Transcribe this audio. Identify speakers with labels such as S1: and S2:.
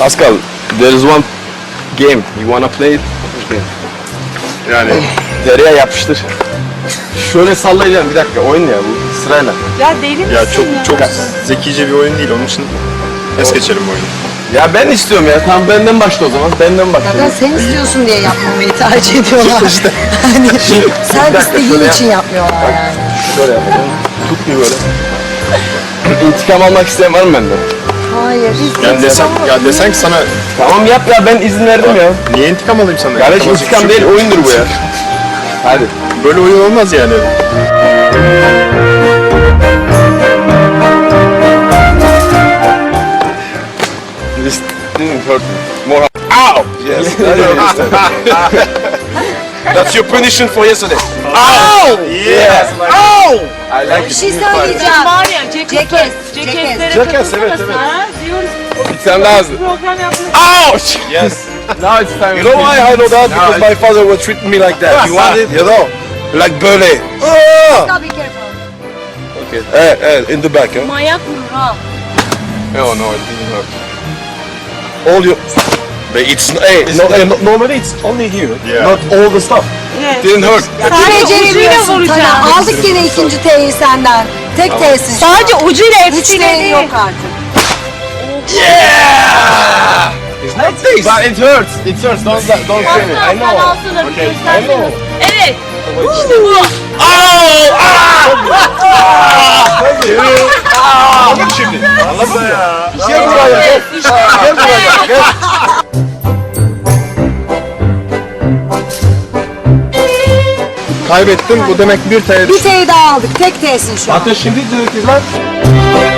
S1: Pascal, there is one game. You wanna play it?
S2: Yani
S1: Dereye yapıştır. Şöyle sallayacağım bir dakika. Oyun ya bu sırayla.
S3: Ya deli misin
S2: ya
S3: ya?
S2: çok zekice bir oyun değil, onun için es geçelim bu oyunu.
S1: Ya ben istiyorum ya. Tamam benden başla o zaman. Benden başla.
S4: Zaten sen istiyorsun diye yapmamayı tercih ediyorlar.
S1: İşte.
S4: Hani
S1: Bir
S4: sen
S1: dakika,
S4: istediğin
S1: şöyle
S4: için yapmıyorlar yani.
S1: Şöyle yapacağım. Tutmuyor böyle. İntikam almak isteyen var mı benden?
S4: Hayır.
S2: Ya desen ki sana
S1: Tamam yap ya ben izin verdim ya.
S2: niye intikam alayım sana?
S1: Kardeş
S2: İntikam
S1: intikam
S2: alacak
S1: değil
S2: bir şey yok.
S1: oyundur bu ya. Hadi.
S2: Böyle oyun olmaz yani.
S1: This didn't hurt me. More. Ow! Yes. That's your punishment for yesterday. Ow!
S2: Yes.
S1: Ow! I like
S4: Bir
S1: it.
S4: şey
S3: Bizim
S4: söyleyeceğim.
S3: var ya
S4: Cekes,
S3: Cekeslere
S1: Cekes, evet,
S3: katılsana
S1: evet.
S3: sen, ha? Diyoruz
S1: Bir tane daha hızlı.
S3: program yapmak.
S1: Ouch!
S2: Yes.
S1: Now it's time.
S5: You know why I know that? Because my father was treating me like that. You want it? You know? Like böyle.
S4: Tabii ki efendim.
S5: In the back, huh?
S3: Manyak mı ha?
S1: Oh no, it didn't hurt.
S5: All your... But it's... normally it's only here.
S2: Yeah.
S5: Not all the stuff.
S3: Evet.
S1: Didn't hurt.
S3: Sadece ucuyla
S4: Beceremiyorsun
S3: vuracağım.
S4: Taner. Aldık gene ikinci T'yi senden. Tek T'sin şu an.
S3: Sadece ucuyla
S4: Üç
S3: hepsiyle
S4: T
S3: değil.
S4: yok artık.
S1: It's not this. But it hurts. It hurts. Don't say me. I know.
S3: Okay.
S1: I know.
S3: Evet. İşte bu.
S1: Anladın şimdi. Anladın ya. Gel
S3: Evet,
S1: buraya.
S3: işte.
S1: Gel buraya. Gel.
S2: Kaybettim. Bu demek bir TL.
S4: Bir T'yi daha aldık. Tek T'sin şu an.
S1: Hatta şimdi diyor ki lan.